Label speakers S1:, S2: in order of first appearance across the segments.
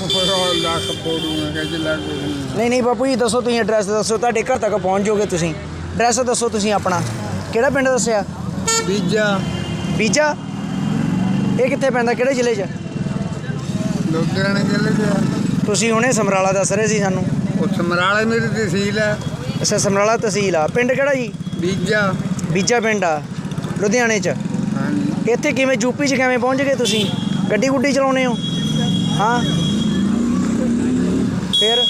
S1: ਲੱਖ ਪੋੜੂਗਾ ਕਿ ਲੱਖ
S2: ਨਹੀਂ ਬਾਪੂ ਜੀ ਦੱਸੋ, ਤੁਸੀਂ ਐਡਰੈਸ ਦੱਸੋ, ਤੁਹਾਡੇ ਘਰ ਤੱਕ ਪਹੁੰਚ ਜਾਓਗੇ ਤੁਸੀਂ। ਐਡਰੈਸ ਦੱਸੋ ਤੁਸੀਂ ਆਪਣਾ, ਕਿਹੜਾ ਪਿੰਡ ਦੱਸਿਆ? ਬੀਜਾ। ਇਹ ਕਿੱਥੇ ਪੈਂਦਾ, ਕਿਹੜੇ ਜ਼ਿਲ੍ਹੇ 'ਚ?
S1: ਲੁਧਿਆਣੇ ਜ਼ਿਲ੍ਹੇ 'ਚ।
S2: ਤੁਸੀਂ ਹੁਣੇ ਸਮਰਾਲਾ ਦੱਸ ਰਹੇ ਸੀ ਸਾਨੂੰ।
S1: ਉਹ ਸਮਰਾਲਾ ਮੇਰੀ ਤਹਿਸੀਲ ਹੈ।
S2: ਅੱਛਾ, ਸਮਰਾਲਾ ਤਹਿਸੀਲ ਆ। ਪਿੰਡ ਕਿਹੜਾ ਜੀ? ਬੀਜਾ ਪਿੰਡ ਆ, ਲੁਧਿਆਣੇ 'ਚ।
S1: ਹਾਂਜੀ।
S2: ਇੱਥੇ ਕਿਵੇਂ ਯੂਪੀ 'ਚ ਕਿਵੇਂ ਪਹੁੰਚ ਗਏ ਤੁਸੀਂ? ਗੱਡੀ ਗੁੱਡੀ ਚਲਾਉਂਦੇ ਹੋ? ਹਾਂ, ਫਿਰ?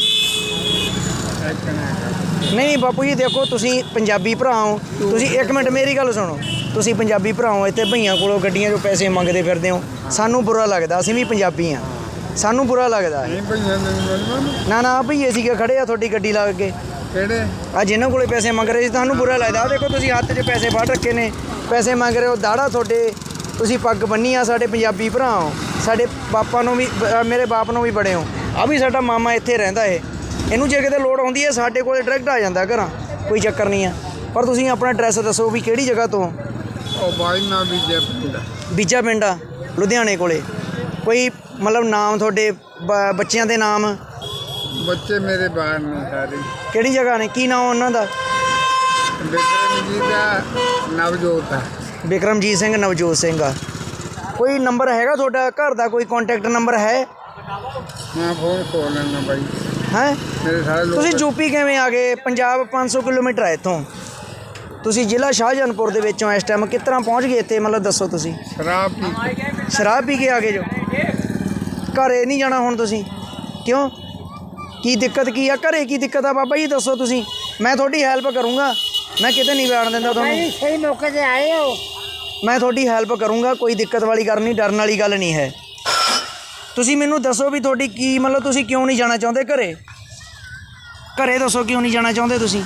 S2: ਨਹੀਂ ਬਾਪੂ ਜੀ ਦੇਖੋ, ਤੁਸੀਂ ਪੰਜਾਬੀ ਭਰਾ ਹੋ। ਤੁਸੀਂ ਇੱਕ ਮਿੰਟ ਮੇਰੀ ਗੱਲ ਸੁਣੋ। ਤੁਸੀਂ ਪੰਜਾਬੀ ਭਰਾ ਹੋ, ਇੱਥੇ ਭਈਆਂ ਕੋਲੋਂ ਗੱਡੀਆਂ 'ਚੋਂ ਪੈਸੇ ਮੰਗਦੇ ਫਿਰਦੇ ਹੋ। ਸਾਨੂੰ ਬੁਰਾ ਲੱਗਦਾ, ਅਸੀਂ ਵੀ ਪੰਜਾਬੀ ਹਾਂ, ਸਾਨੂੰ ਬੁਰਾ ਲੱਗਦਾ। ਨਾ ਭਈਏ ਸੀਗੇ ਖੜੇ ਆ ਤੁਹਾਡੀ ਗੱਡੀ ਲਾ ਕੇ।
S1: ਕਿਹੜੇ?
S2: ਆ ਜਿਨ੍ਹਾਂ ਕੋਲੇ ਪੈਸੇ ਮੰਗ ਰਹੇ ਸੀ ਤੁਹਾਨੂੰ ਬੁਰਾ ਲੱਗਦਾ। ਦੇਖੋ ਤੁਸੀਂ ਹੱਥ 'ਚ ਪੈਸੇ ਫੜ ਰੱਖੇ ਨੇ, ਪੈਸੇ ਮੰਗ ਰਹੇ ਹੋ, ਦਾੜਾ ਤੁਹਾਡੇ, ਤੁਸੀਂ ਪੱਗ ਬੰਨੀ ਆ, ਸਾਡੇ ਪੰਜਾਬੀ ਭਰਾ ਹੋ। ਸਾਡੇ ਬਾਪਾਂ ਨੂੰ ਵੀ, ਮੇਰੇ ਬਾਪ ਨੂੰ ਵੀ ਬੜੇ ਹੋ। ਆ ਵੀ ਸਾਡਾ ਮਾਮਾ ਇੱਥੇ ਰਹਿੰਦਾ ਇਹਨੂੰ ਜੇ ਕਿਤੇ ਲੋੜ ਆਉਂਦੀ ਹੈ ਸਾਡੇ ਕੋਲ ਡਾਇਰੈਕਟ ਆ ਜਾਂਦਾ ਘਰਾਂ, ਕੋਈ ਚੱਕਰ ਨਹੀਂ ਆ। ਪਰ ਤੁਸੀਂ ਆਪਣਾ ਐਡਰੈਸ ਦੱਸੋ ਵੀ ਕਿਹੜੀ ਜਗ੍ਹਾ ਤੋਂ?
S1: ਉਹ ਬਾਈ ਨਾ
S2: ਬੀਜਾ ਪਿੰਡ ਆ, ਲੁਧਿਆਣੇ ਕੋਲੇ। ਕੋਈ ਮਤਲਬ ਨਾਮ ਤੁਹਾਡੇ ਬੱਚਿਆਂ ਦੇ ਨਾਮ?
S1: ਬੱਚੇ ਮੇਰੇ ਬਾਹਰ ਨੇ ਸਾਰੇ।
S2: ਕਿਹੜੀ ਜਗ੍ਹਾ ਨੇ, ਕੀ ਨਾਮ ਉਹਨਾਂ ਦਾ?
S1: ਬਿਕਰਮਜੀਤ ਦਾ, ਨਵਜੋਤ ਆ।
S2: ਬਿਕਰਮਜੀਤ ਸਿੰਘ, ਨਵਜੋਤ ਸਿੰਘ ਆ। ਕੋਈ ਨੰਬਰ ਹੈਗਾ ਤੁਹਾਡਾ ਘਰ ਦਾ, ਕੋਈ ਕੰਟੈਕਟ ਨੰਬਰ ਹੈ?
S1: ਮੈਂ ਫੋਨ ਖੋਲ ਲੈਣਾ ਬਾਈ।
S2: ਹੈ
S1: ਮੇਰੇ ਸਾਰੇ ਲੋਕ।
S2: ਤੁਸੀਂ ਯੂਪੀ ਕਿਵੇਂ ਆ ਗਏ? ਪੰਜਾਬ 500 ਕਿਲੋਮੀਟਰ ਹੈ ਇੱਥੋਂ। ਤੁਸੀਂ ਜ਼ਿਲ੍ਹਾ ਸ਼ਾਹਜਹਾਨਪੁਰ ਦੇ ਵਿੱਚੋਂ ਇਸ ਟਾਈਮ ਕਿਸ ਤਰ੍ਹਾਂ ਪਹੁੰਚ ਗਏ ਇੱਥੇ? ਮਤਲਬ ਦੱਸੋ ਤੁਸੀਂ। ਸ਼ਰਾਬ ਪੀ ਕੇ ਆ ਗਏ ਜੋ? ਘਰੇ ਨਹੀਂ ਜਾਣਾ ਹੁਣ ਤੁਸੀਂ? ਕਿਉਂ, ਕੀ ਦਿੱਕਤ ਕੀ ਆ ਘਰੇ? ਕੀ ਦਿੱਕਤ ਆ ਬਾਬਾ ਜੀ ਦੱਸੋ ਤੁਸੀਂ, ਮੈਂ ਤੁਹਾਡੀ ਹੈਲਪ ਕਰੂੰਗਾ। ਮੈਂ ਕਿਤੇ ਨਹੀਂ ਵੜਨ ਦਿੰਦਾ ਤੁਹਾਨੂੰ।
S3: ਸਹੀ ਮੌਕੇ 'ਤੇ ਆਏ ਹੋ।
S2: ਮੈਂ ਤੁਹਾਡੀ ਹੈਲਪ ਕਰੂੰਗਾ, ਕੋਈ ਦਿੱਕਤ ਵਾਲੀ ਗੱਲ ਨਹੀਂ, ਡਰਨ ਵਾਲੀ ਗੱਲ ਨਹੀਂ ਹੈ। ਤੁਸੀਂ ਮੈਨੂੰ ਦੱਸੋ ਵੀ ਤੁਹਾਡੀ ਕੀ ਮਤਲਬ, ਤੁਸੀਂ ਕਿਉਂ ਨਹੀਂ ਜਾਣਾ ਚਾਹੁੰਦੇ ਘਰੇ? ਘਰੇ ਦੱਸੋ ਕਿਉਂ ਨਹੀਂ ਜਾਣਾ ਚਾਹੁੰਦੇ ਤੁਸੀਂ?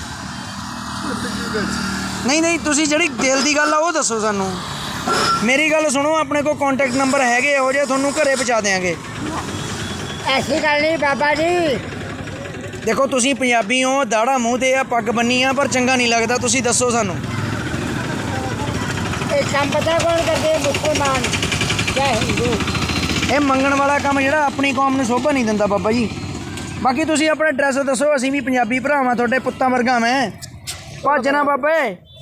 S2: ਨਹੀਂ ਤੁਸੀਂ ਜਿਹੜੀ ਦਿਲ ਦੀ ਗੱਲ ਆ ਉਹ ਦੱਸੋ ਸਾਨੂੰ। ਮੇਰੀ ਗੱਲ ਸੁਣੋ, ਆਪਣੇ ਕੋਲ ਕੰਟੈਕਟ ਨੰਬਰ ਹੈਗੇ ਇਹੋ ਜਿਹੇ, ਤੁਹਾਨੂੰ ਘਰੇ ਪਹੁੰਚਾ ਦਿਆਂਗੇ।
S3: ਐਸੀ ਗੱਲ ਨਹੀਂ ਬਾਬਾ ਜੀ।
S2: ਦੇਖੋ ਤੁਸੀਂ ਪੰਜਾਬੀ ਹੋ, ਦਾੜਾ ਮੂੰਹ 'ਤੇ ਆ, ਪੱਗ ਬੰਨੀ ਆ, ਪਰ ਚੰਗਾ ਨਹੀਂ ਲੱਗਦਾ। ਤੁਸੀਂ ਦੱਸੋ ਸਾਨੂੰ।
S3: ਇਹ ਕੰਮ ਪਤਾ ਕੌਣ ਕਰਦੇ? ਮੁਸਲਮਾਨ ਜਾਂ ਹਿੰਦੂ।
S2: ਇਹ ਮੰਗਣ ਵਾਲਾ ਕੰਮ ਜਿਹੜਾ ਆਪਣੀ ਕੌਮ ਨੂੰ ਸ਼ੋਭਾ ਨਹੀਂ ਦਿੰਦਾ ਬਾਬਾ ਜੀ। ਬਾਕੀ ਤੁਸੀਂ ਆਪਣਾ ਐਡਰੈਸ ਦੱਸੋ, ਅਸੀਂ ਵੀ ਪੰਜਾਬੀ ਭਰਾਵਾਂ, ਤੁਹਾਡੇ ਪੁੱਤਾਂ ਵਰਗਾ ਮੈਂ। ਭੱਜ ਨਾ ਬਾਬੇ।